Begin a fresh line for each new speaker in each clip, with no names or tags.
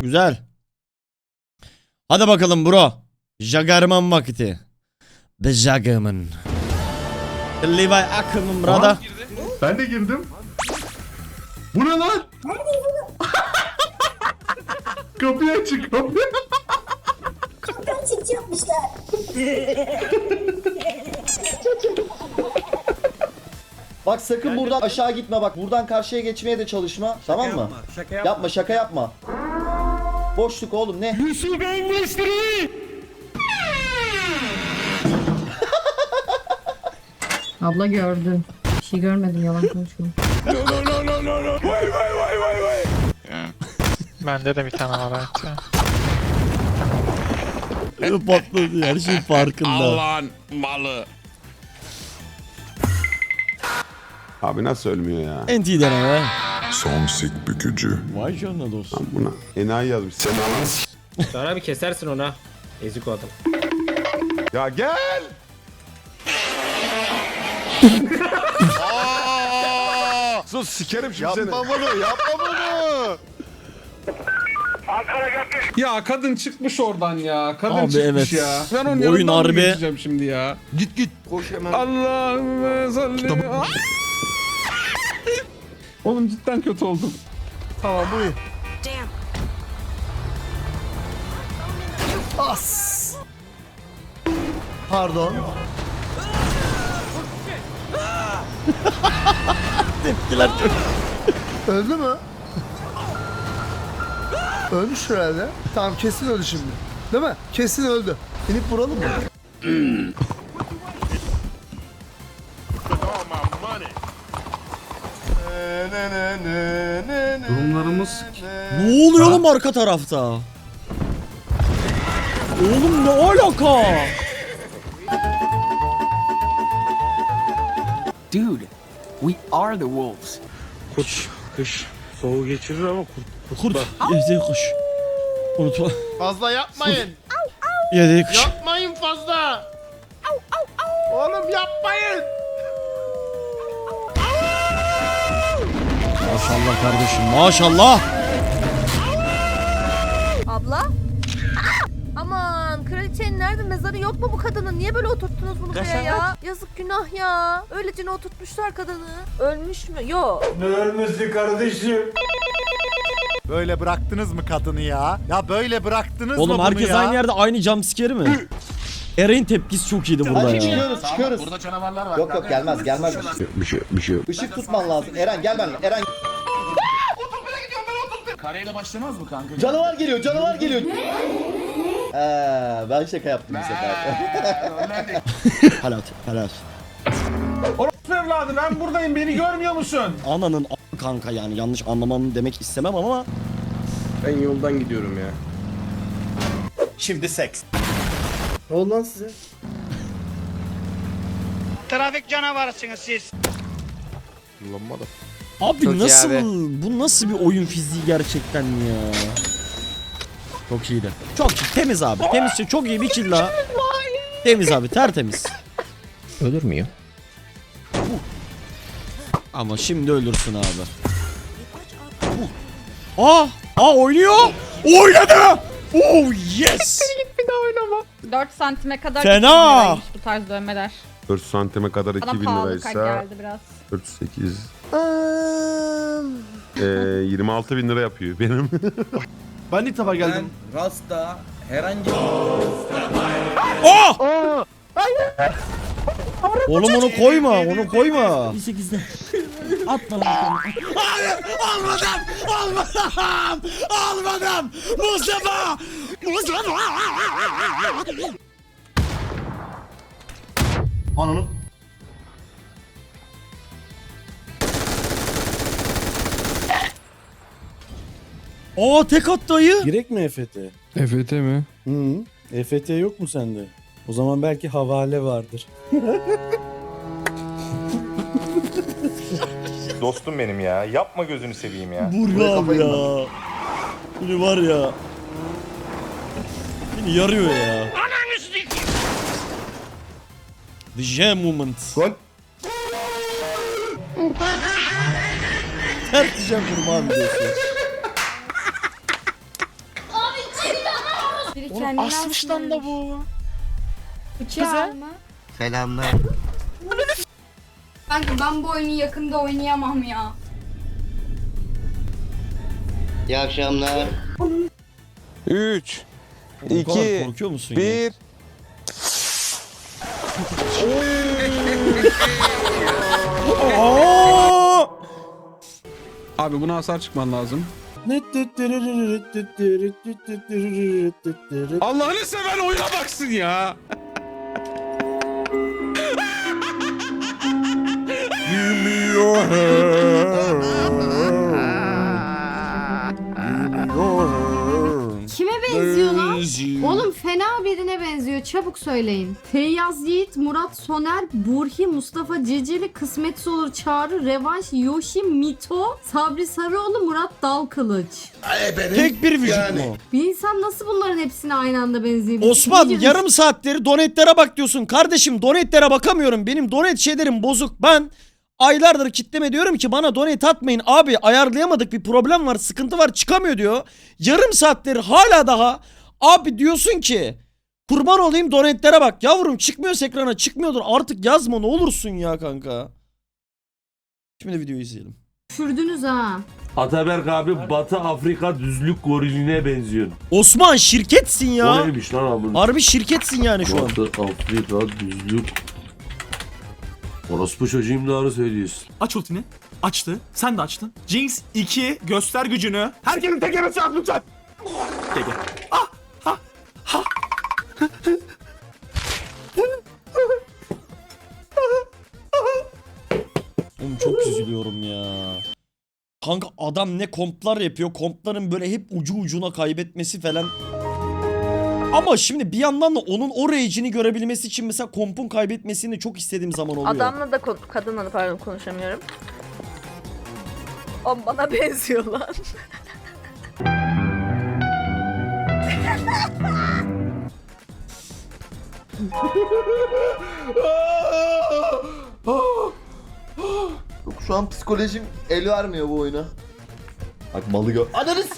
Güzel. Hadi bakalım bro. Jagerman vakti. The Jagerman. Levi Ackerman brother.
Ben de girdim. Bu ne lan? Kapıyı açık kapıyı.
Kaptan çiftçi yapmışlar.
Bak sakın buradan aşağı gitme bak. Buradan karşıya geçmeye de çalışma. Tamam mı? Yapma şaka yapma. Boşluk oğlum ne?
Abla gördün. Bir şey görmedim, yalan konuşma.
Bende de bir tane var artık.
Patladı, her şey farkında.
Allah'ın malı.
Abi nasıl ölmüyor ya?
NT deneme.
Son sik bükücü.
Vay canına dostum.
Buna enayi yazmış. Sen ananı
Sonra bir kesersin ona. Ezik o adam.
Ya gel. Sus sikerim şimdi seni.
Yapma bunu, yapma bunu.
Ya kadın çıkmış oradan ya. Kadın
Abi
çıkmış
evet.
ya. Ben onun
Oyun
yanından mı
harbi.
geçeceğim şimdi ya?
Git. Koş hemen.
Allah'ım salli. Oğlum cidden kötü oldum.
Tamam bu iyi.
Pardon.
Tepkiler çok.
Öldü mü? Ölmüş herhalde. Tamam kesin öldü şimdi. Değil mi? Kesin öldü. İnip vuralım mı?
Durumlarımız
Ne oluyor oğlum arka tarafta? Oğlum ne alaka?
Dude, we are the wolves.
Kış soğuğu geçirir ama
Kurt. Yedi kuş. Unutma.
Fazla yapmayın.
Yedi kuş.
Yapmayın fazla. Oğlum yapmayın.
Maşallah kardeşim maşallah.
Abla? Aman kraliçenin nerede, mezarı yok mu bu kadının? Niye böyle oturttunuz bunu buraya ya? Yazık, günah ya. Öylece oturtmuşlar kadını. Ölmüş mü? Yok.
Böyle bıraktınız mı kadını ya? Ya böyle bıraktınız
Oğlum
mı bunu
herkes
ya?
aynı yerde aynı jumpscare'i mi? Eren'in tepkisi çok iyiydi burada
Hadi
ya.
çıkıyoruz. Burada canavarlar var. Yok gelmez.
Bir şey yok.
Işık tutman lazım. Eren gel benimle. Eren. Kareyle başlamaz mı kanka? Canavar geliyor. Ben şaka yaptım bu sefer.
Halat.
Orospu evladı ben buradayım beni görmüyor musun?
Ananın kanka yani yanlış anlamanı demek istemem ama.
Ben yoldan gidiyorum ya.
Şimdi seks.
Ne oldu lan size?
Trafik canavarısınız siz.
Abi
Çok iyi
nasıl
abi.
bu nasıl bir oyun fiziği gerçekten ya. Çok iyiydi. Çok temiz abi. Temiz çok iyi bir kill daha. Temiz abi tertemiz.
Ölür müyüm?
Ama şimdi ölürsün abi. Oynuyor. Oynadı. Oh yes.
4 santime kadar
Fena.
2000 liraymış bu tarz dövmeler.
4 santime kadar
Bana
2000
pahalı
liraysa
geldi biraz.
48 26 bin lira yapıyor benim.
Ben ilk defa geldim.
Rasta herhangi
Oğlum onu koyma, onu koyma. 18'de. Atma lan. Hayır, almadım. Mustafa.
Ananı.
Tek at dayı.
Gerek mi EFT?
EFT mi?
Hı. EFT yok mu sende? O zaman belki havale vardır.
Dostum benim ya. Yapma gözünü seveyim ya.
Vur abi ya. Beni var ya. Beni yarıyor ya. The Jam Moment.
Gol.
Ters diyeceğim kurban diyorsun.
Asmış lan da bu.
Bıçağı mı?
Selamlar.
Ben bu oyunu yakında oynayamam ya.
İyi akşamlar.
3,
Bu kadar korkuyor musun ya?
Abi buna hasar çıkman lazım. Allah'ını seven oyuna baksın ya.
Kime benziyor lan? Oğlum fena birine benziyor. Çabuk söyleyin. Feyyaz Yiğit, Murat Soner, Burhi, Mustafa Ceceli, Kısmetsiz Olur Çağrı, Revanş, Yoshi, Mito, Sabri Sarıoğlu, Murat Dalkılıç.
Tek bir vücut mu?
Bir insan nasıl bunların hepsine aynı anda benzeyebilir?
Osman
İyice
yarım saatleri donetlere bak diyorsun. Kardeşim donetlere bakamıyorum. Benim donet şeylerim bozuk. Ben aylardır kitleme diyorum ki bana donate atmayın. Abi ayarlayamadık, bir problem var, sıkıntı var, çıkamıyor diyor. Yarım saattir hala daha abi diyorsun ki kurban olayım donetlere bak. Yavrum çıkmıyorsa ekrana, çıkmıyordur artık yazma ne olursun ya kanka. Şimdi videoyu izleyelim.
düşürdünüz ha.
Ataberk abi Batı Afrika düzlük gorilline benziyor.
Osman şirketsin ya.
neymiş lan abi?
Harbi şirketsin yani şu an.
Afrika düzlük. Orospu çocuğum doğru söylüyorsun.
Aç ultini. Açtı. Sen de açtın. Jinx 2 göster gücünü. Herkesin tekeresi at lütfen. Teke.
Oğlum çok üzülüyorum ya. Kanka adam ne komplar yapıyor. Kompların böyle hep ucu ucuna kaybetmesi falan. Ama şimdi bir yandan da onun o rage'ini görebilmesi için mesela kompun kaybetmesini çok istediğim zaman oluyor.
Adamla da kadınla da pardon konuşamıyorum. O bana benziyor lan.
Şu an psikolojim el vermiyor bu oyuna. Bak malı gör. Ananız.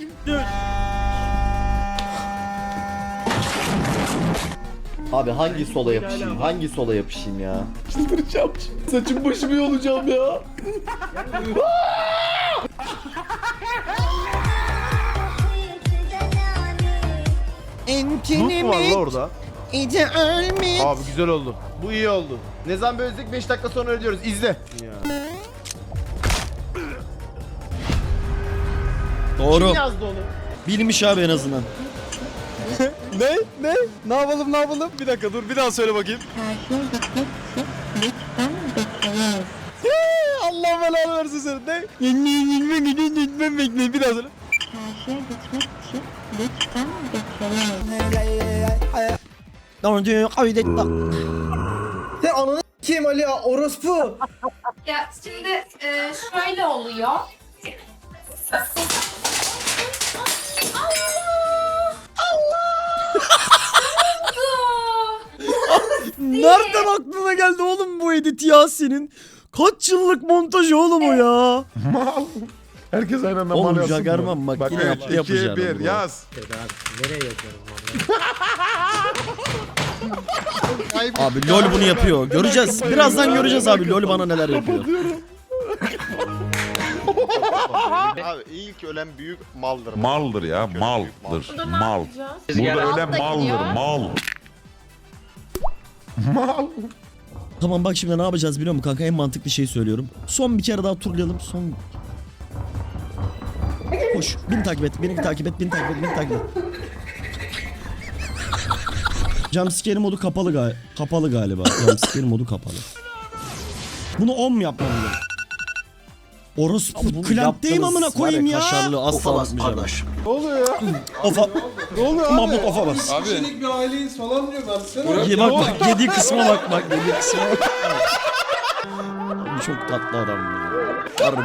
Abi hangi sola yapışayım? Hangi sola yapışayım ya? Çıldıracağım. Saçım başımı yolacağım ya.
Entini mi?
orada.
İdeal mi?
Abi güzel oldu. Bu iyi oldu. Ne zaman bölüzdük 5 dakika sonra ödüyoruz. İzle.
Doğru.
Kim yazdı onu?
Bilmiş abi en azından.
Ne yapalım? Bir dakika dur bir daha söyle bakayım. Allah belanı versin seni. Ne? Bir daha söyle.
Sen ananı kim Ali ya orospu?
Ya şimdi şöyle oluyor.
Nereden aklına geldi oğlum bu edit ya senin? Kaç yıllık montaj oğlum o ya?
Herkes aynı anda
Oğlum
mal yazsın
Jagerman
mı?
bak yine
üç,
yaptı
iki,
yapacağını.
bir,
bunu.
yaz.
Abi LoL bunu yapıyor. Göreceğiz. Birazdan göreceğiz abi LoL bana neler yapıyor.
Abi ilk ölen büyük maldır.
Maldır ya, maldır. Mal. Burada öyle maldır, mal. Mal.
Tamam bak şimdi ne yapacağız biliyor musun kanka? En mantıklı şeyi söylüyorum. Son bir kere daha turlayalım. Son... Koş. Beni takip et. Beni takip et. Beni takip et. Beni takip et. Jumpscare modu kapalı galiba. Jumpscare modu kapalı. Bunu 10 mu yapmam lazım? Orospu klampteyim amına koyayım ya. Kaşarlı asla basmayacağım.
Ne oluyor ya?
Ofa.
Ne oluyor abi?
Mahmut ofa bas.
Abi. Kişilik bir aileyiz falan diyor. Versene.
Bak yediği kısma bak. Yediği kısma bak. Abi çok tatlı adam ya. Harbi.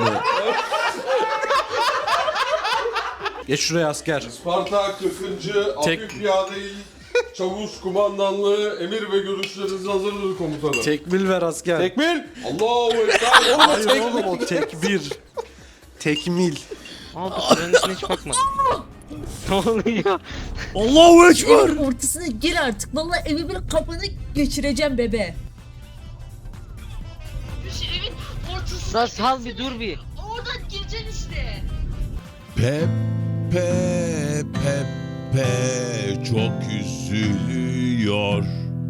Geç şuraya asker.
Sparta 40. Hafif Piyade Çavuş Kumandanlığı emir ve görüşleriniz hazırdır komutanım.
Tekmil ver asker.
Tekmil! Allahu Ekber!
Hayır oğlum o tekbir. Tekmil.
Abi sürenin hiç bakmadım.
Ne oluyor?
Allahu Ekber.
Ortasına gir artık. Vallahi evi bir kafanı geçireceğim bebe.
Lan sal bir dur bir.
Oradan gireceksin işte.
Pepe çok üzülüyor.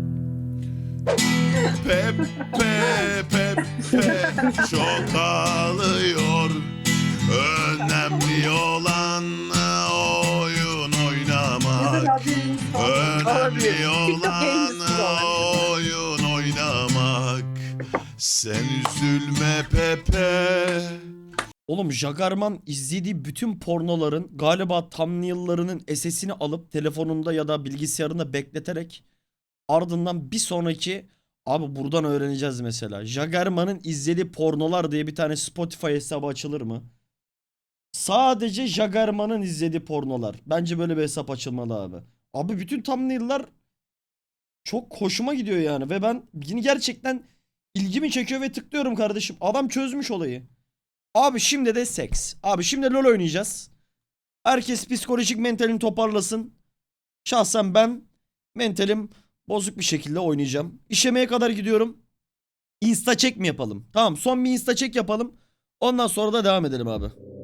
Pepe çok ağlıyor. Önemli olan oyun oynamak. Önemli olan oyun oynamak. Sen üzülme Pepe.
Oğlum Jagerman izlediği bütün pornoların galiba thumbnail'larının SS'ini alıp telefonunda ya da bilgisayarında bekleterek ardından bir sonraki abi buradan öğreneceğiz mesela. Jagerman'ın izlediği pornolar diye bir tane Spotify hesabı açılır mı? Sadece Jagerman'ın izlediği pornolar. Bence böyle bir hesap açılmalı abi. Abi bütün thumbnail'lar çok hoşuma gidiyor yani ve ben yine gerçekten ilgimi çekiyor ve tıklıyorum kardeşim. Adam çözmüş olayı. Abi şimdi de seks. Abi şimdi LoL oynayacağız. Herkes psikolojik mentalini toparlasın. Şahsen ben mentalim bozuk bir şekilde oynayacağım. İşemeye kadar gidiyorum. Insta check mi yapalım? Tamam, son bir insta check yapalım. Ondan sonra da devam edelim abi.